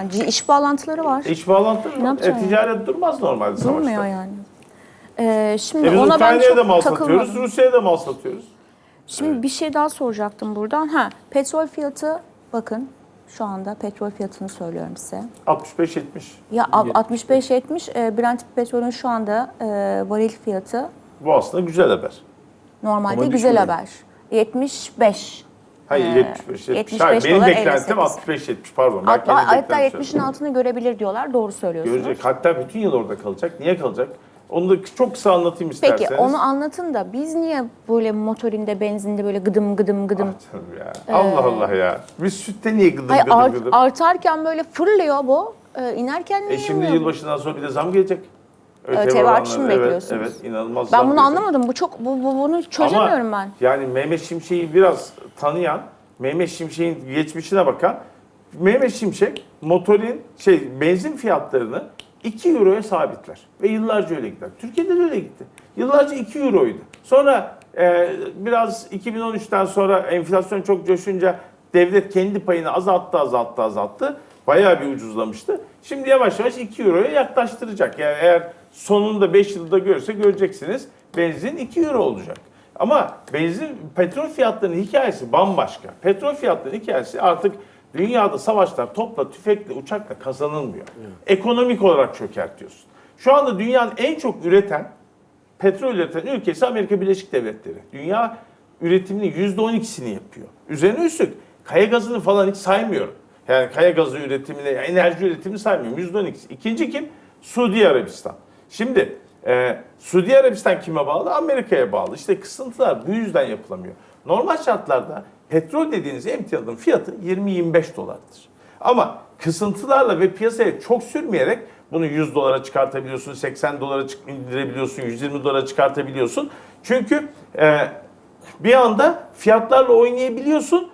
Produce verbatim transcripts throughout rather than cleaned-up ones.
yani iş bağlantıları var. İş bağlantıları Ne var. E, yapacaksın ticaret durmaz normalde savaşta. Durmuyor yani. Ee, şimdi E biz ona ben Ukrayna'ya da mal çok satıyoruz, takılmadım. Rusya'ya da mal satıyoruz. Şimdi Evet. bir şey daha soracaktım buradan. Ha, petrol fiyatı bakın şu anda petrol fiyatını söylüyorum size. altmış beş yetmiş. Ya altmış beş yetmiş e, Brent petrolün şu anda e, varil fiyatı Bu aslında güzel haber. normalde Ama güzel düşmedi. haber. yetmiş beş. Hayır Ee, yetmiş beş. yetmiş. yetmiş Hayır, beş benim dolar beklentim elli sekiz. altmış beş yetmiş pardon. Ben Hatta, kendi hatta beklentimi yetmişin söyledim. altını görebilir diyorlar. Doğru söylüyorsunuz. Görecek. Hatta bütün yıl orada kalacak. Niye kalacak? Onu da çok kısa anlatayım isterseniz. Peki onu anlatın da biz niye böyle motorinde, benzinde böyle gıdım gıdım gıdım? Ah canım ya. Allah Allah ya. Biz sütte niye gıdım Hayır, gıdım art- gıdım? artarken böyle fırlıyor bu. Ee, inerken niye E şimdi inmiyor bu? yılbaşından sonra bir de zam gelecek. ÖTV oranları, artışı mı evet, bekliyorsunuz? Evet, inanılmaz Ben zam bunu gelecek. anlamadım. Bu çok bu, bu- bunu çözemiyorum Ama ben. yani Mehmet Şimşek'i biraz tanıyan, Mehmet Şimşek'in geçmişine bakan, Mehmet Şimşek motorin şey benzin fiyatlarını iki euroya sabitler ve yıllarca öyle gider. Türkiye'de de öyle gitti. Yıllarca iki euroydu. Sonra e, biraz iki bin on üçten sonra enflasyon çok coşunca devlet kendi payını azalttı, azalttı, azalttı. Bayağı bir ucuzlamıştı. Şimdi yavaş yavaş iki euroya yaklaştıracak. Yani eğer sonunda beş yılda görürse göreceksiniz benzin iki euro olacak. Ama benzin, petrol fiyatlarının hikayesi bambaşka. Petrol fiyatlarının hikayesi artık dünyada savaşlar topla, tüfekle, uçakla kazanılmıyor. Ekonomik olarak çökertiyorsun. Şu anda dünyanın en çok üreten, petrol üreten ülkesi Amerika Birleşik Devletleri. Dünya üretiminin yüzde on ikisini yapıyor. Üzerine üstlük kaya gazını falan hiç saymıyorum. Yani kaya gazı üretimini, enerji üretimini saymıyorum. yüzde on ikisi. İkinci kim? Suudi Arabistan. Şimdi e, Suudi Arabistan kime bağlı? Amerika'ya bağlı. İşte kısıntılar bu yüzden yapılamıyor. Normal şartlarda petrol dediğiniz emtianın fiyatı yirmi yirmi beş dolardır. Ama kısıntılarla ve piyasaya çok sürmeyerek bunu yüz dolara çıkartabiliyorsun, seksen dolara indirebiliyorsun, yüz yirmi dolara çıkartabiliyorsun. Çünkü e, bir anda fiyatlarla oynayabiliyorsun.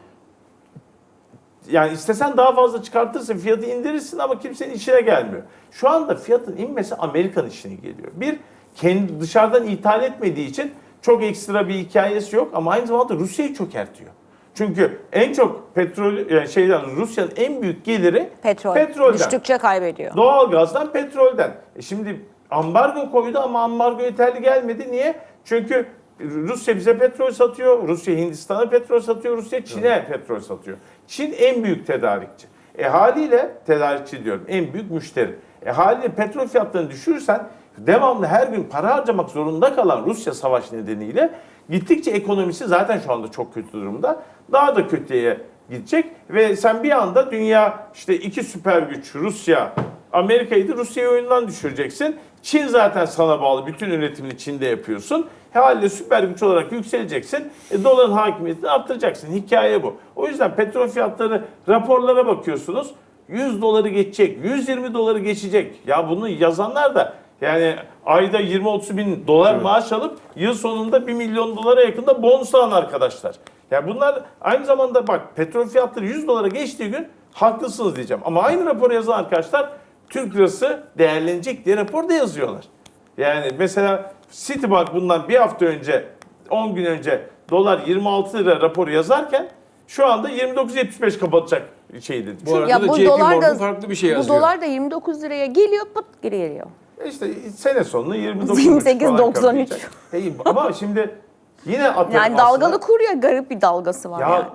Yani istesen daha fazla çıkartırsın, fiyatı indirirsin ama kimsenin işine gelmiyor. Şu anda fiyatın inmesi Amerikan işine geliyor. Bir, kendi dışarıdan ithal etmediği için çok ekstra bir hikayesi yok ama aynı zamanda Rusya'yı çökertiyor. Çünkü en çok petrol, yani şeyden Rusya'nın en büyük geliri Petrol. petrolden. Düştükçe kaybediyor. Doğalgazdan, petrolden. E şimdi ambargo koydu ama ambargo yeterli gelmedi. Niye? Çünkü Rusya bize petrol satıyor, Rusya Hindistan'a petrol satıyor, Rusya Çin'e evet. petrol satıyor. Çin en büyük tedarikçi. E haliyle tedarikçi diyorum, en büyük müşteri. E haliyle petrol fiyatlarını düşürürsen devamlı her gün para harcamak zorunda kalan Rusya savaş nedeniyle gittikçe ekonomisi zaten şu anda çok kötü durumda. Daha da kötüye gidecek ve sen bir anda dünya işte iki süper güç Rusya, Amerika'yı da Rusya'yı oyundan düşüreceksin. Çin zaten sana bağlı. Bütün üretimini Çin'de yapıyorsun. Haliyle süper güç olarak yükseleceksin. E, doların hakimiyetini arttıracaksın. Hikaye bu. O yüzden petrol fiyatları raporlara bakıyorsunuz. yüz doları geçecek. yüz yirmi doları geçecek. Ya bunu yazanlar da yani ayda yirmi otuz bin dolar evet. maaş alıp yıl sonunda bir milyon dolara yakında bonus alan arkadaşlar. Ya bunlar aynı zamanda bak petrol fiyatları yüz dolara geçtiği gün haklısınız diyeceğim. Ama aynı raporu yazan arkadaşlar Türk lirası değerlenecek diye raporda yazıyorlar. Yani mesela Citibank bundan bir hafta önce, on gün önce dolar yirmi altı lira raporu yazarken şu anda yirmi dokuz yetmiş beş kapatacak şey dedi. Bu arada ya da bu J P dolar Morgan da farklı bir şey bu yazıyor. dolar da yirmi dokuz liraya geliyor, pıt geri geliyor. E İşte sene sonunda yirmi dokuz yirmi sekiz falan doksan üç. kapatacak. E, ama şimdi yine atıyorum Yani aslında, dalgalı kur ya, garip bir dalgası var ya, yani.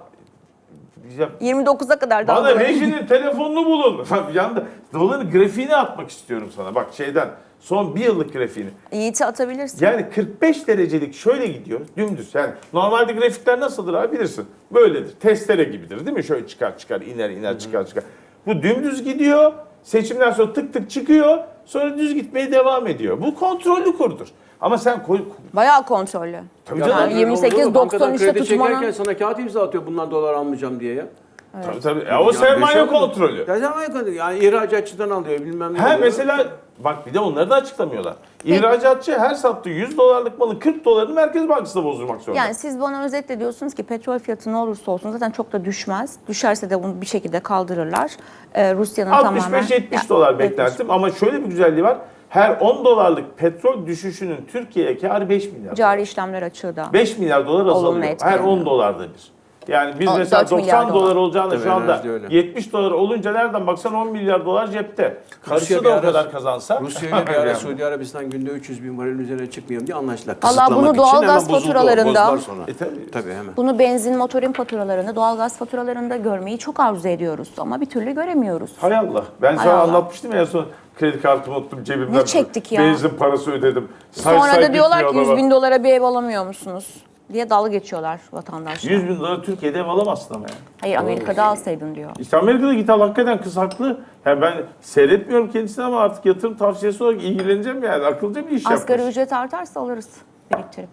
ya yirmi dokuza kadar bana dalgalı. Reji'nin telefonunu bulun. Yanda doların grafiğini atmak istiyorum sana. Bak şeyden son bir yıllık grafiğini. Yiğit'i atabilirsin. Yani kırk beş derecelik şöyle gidiyor dümdüz. Yani normalde grafikler nasıldır abi bilirsin. Böyledir. Testere gibidir değil mi? Şöyle çıkar çıkar iner iner Hı-hı. çıkar çıkar. Bu dümdüz gidiyor. Seçimden sonra tık tık çıkıyor. Sonra düz gitmeye devam ediyor. Bu kontrollü kurdur. Ama sen koy... Bayağı kontrollü. Tabii Ya canım. Yani yirmi sekiz doksan üçte kredi tutmanın... çekerken sana kağıt imza atıyor bundan dolar almayacağım diye ya. Evet. Tabii tabii. Ya o sermaye Yani kontrolü. Ya sermaye kontrolü. Yani ihracatçıdan alıyor bilmem ne. Ha alıyor. mesela bak bir de onları da açıklamıyorlar. İhracatçı her sattığı yüz dolarlık malın kırk dolarını Merkez Bankası'nda bozdurmak zorunda. Yani siz bana özetle diyorsunuz ki petrol fiyatı ne olursa olsun zaten çok da düşmez. Düşerse de bunu bir şekilde kaldırırlar. Ee, Rusya'nın tamamen... altmış beş yetmiş Ya, dolar beklentim ama şöyle bir güzelliği var. Her on dolarlık petrol düşüşünün Türkiye'ye kârı beş milyar. Cari işlemler açığı da. beş milyar dolar Olumlu azalıyor. Her etkileniyor. on dolarda bir. Yani biz O mesela dört milyar doksan dolar dolar. olacağını Tabii, şu anda enerji öyle. yetmiş dolar olunca nereden baksan on milyar dolar cepte. Karısı bir da o ara- kadar kazansa. Rusya ile bir ara Suudi Arabistan günde üç yüz bin varil üzerine çıkmayalım diye anlaştılar. Vallahi Kısıtlamak bunu için doğalgaz hemen bozuldu o, faturalarında- bozdular sonra. E tabii. Tabii hemen. Bunu benzin motorin faturalarında, doğalgaz faturalarında görmeyi çok arzu ediyoruz ama bir türlü göremiyoruz. Hay Allah. Ben Hay sana Allah. anlatmıştım ya en son kredi kartımı unuttum cebimden. Ne çektik ya? Benzin parası ödedim. Say Sonra say da diyorlar ki bitmiyor yüz bin adama. dolara bir ev alamıyor musunuz diye dalga geçiyorlar vatandaşlar. yüz bin dolar Türkiye'de ev alamazsın ama yani. Hayır Amerika'da alsaydın diyor. İşte Amerika'da git al hakikaten kız haklı. Yani ben seyretmiyorum kendisini ama artık yatırım tavsiyesi olarak ilgileneceğim yani. Akıllıca bir iş Asgari yapmış. ücret artarsa alırız biriktirip.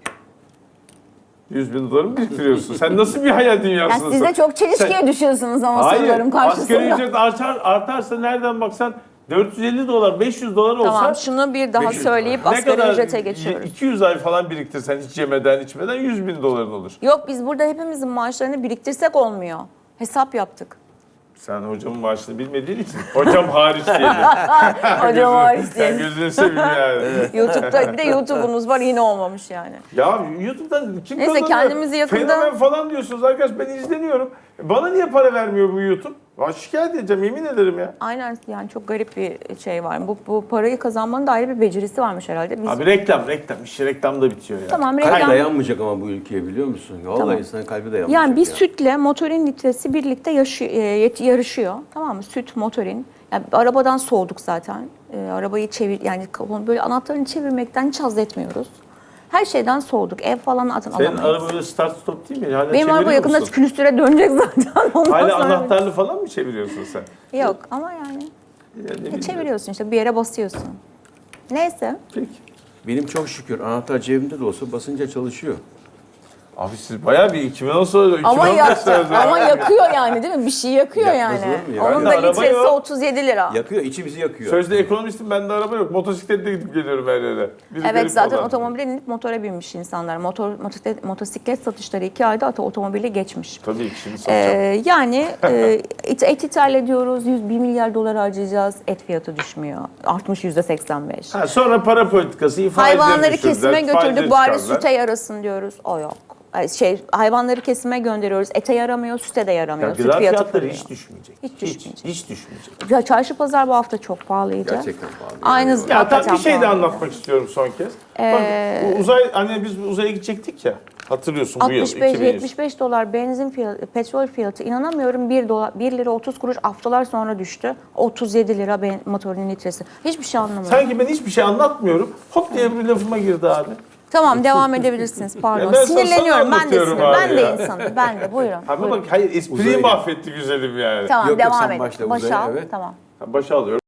yüz bin doları mı biriktiriyorsun? Sen nasıl bir hayal Ya dünyasındasın? siz de çok çelişkiye Sen- düşüyorsunuz ama Hayır, sorularım karşısında. asgari ücret artar, artarsa nereden baksan dört yüz elli dolar, beş yüz dolar olsa... Tamam şunu bir daha beş yüz söyleyip Ne asgari kadar? ücrete geçiyoruz. iki yüz ay falan biriktirsen hiç yemeden içmeden yüz bin doların olur. Yok biz burada hepimizin maaşlarını biriktirsek olmuyor. Hesap yaptık. Sen hocamın maaşını bilmediğin için hocam hariç diyelim. Hocam hariç Sen diye. gözünü seveyim yani. YouTube'da bir de YouTube'unuz var yine olmamış yani. Ya YouTube'dan kim Neyse, kazanıyor? kendimizi yakında- Fenomen falan diyorsunuz arkadaş ben izleniyorum. Bana niye para vermiyor bu YouTube? Ben şikayet edeceğim yemin ederim ya. Aynen yani çok garip bir şey var. Bu, bu parayı kazanmanın da ayrı bir becerisi varmış herhalde. Biz Abi reklam reklam. İşte reklamda bitiyor ya. tamam Kalp reklam. dayanmayacak ama bu ülkeye biliyor musun? Vallahi Tamam. insanın kalbi dayanmayacak. Yani bir ya. sütle motorin litresi birlikte yaşı- e, yet- yarışıyor. Tamam mı? Süt, motorin. Yani arabadan soğuduk zaten. E, arabayı çevir yani kafamı böyle anahtarını çevirmekten hiç haz etmiyoruz. Her şeyden soğuduk. Ev falan zaten Senin alamayız. araba böyle start stop değil mi? Hala Benim araba çeviriyor yakında musun? külüstüre dönecek zaten. Ondan Hala sonra- anahtarlı falan mı çeviriyorsun sen? Yok ama yani Ya ne e, bileyim. çeviriyorsun işte bir yere basıyorsun. Neyse. Peki. Benim çok şükür anahtar cebimde de olsa basınca çalışıyor. Abi siz bayağı bir iki bin on sonra Ama, yak, iki bin on beş ama yakıyor yani değil mi? Bir şey yakıyor Yakmaz yani. olur mu ya? Onun da Bende araba litresi yok. otuz yedi lira. Yakıyor, içimizi yakıyor. Sözde ekonomistim bende araba yok. Motosikletle gidip geliyorum her yere. Bir Evet garip zaten olan. otomobile inip motora binmiş insanlar. Motor, motosiklet, motosiklet satışları iki ayda ata otomobili geçmiş. Tabii ki şimdi satacağım. Ee, yani e, et, et ithal ediyoruz. yüz bir milyar dolar harcayacağız. Et fiyatı düşmüyor. Artmış yüzde seksen beş. Ha, sonra para politikası, faizleri Hayvanları düşürdüler, kesime faizleri götürdük. Bari çıkardılar. süte yarasın diyoruz. O yok. Ay, Şey, hayvanları kesime gönderiyoruz. Ete yaramıyor, süte de Ya yaramıyor. Süt gıda fiyatı fiyatları fırlıyor. hiç düşmeyecek. Hiç düşmeyecek. Hiç, hiç düşmeyecek. Ya çarşı pazar bu hafta çok pahalıydı. Gerçekten pahalı. Aynı Ya hakikaten tam bir şey de pahalı. anlatmak istiyorum son kez. Ee, Bak bu uzay hani biz uzaya gidecektik ya. Hatırlıyorsun bu yıl altmış beş iki bin yüz. yetmiş beş dolar benzin fiyatı, petrol fiyatı inanamıyorum bir dolar bir lira otuz kuruş haftalar sonra düştü. otuz yedi lira ben, motorun litresi. Hiçbir şey anlamıyorum. Sanki ben hiçbir şey anlatmıyorum. Hop diye bir lafıma girdi abi. Tamam devam edebilirsiniz. Pardon. Ya ben sana- Sinirleniyorum. sana Ben de anlatıyorum sinir. abi Ben de ya. insanım. Ben de. Buyurun. Abi buyurun. bak hayır espriyi Uzaya gel. mahvetti güzelim yani. Tamam Yok, yok, devam sen edin. başla Başa uzaya, al. evet. Tamam. Başa alıyorum.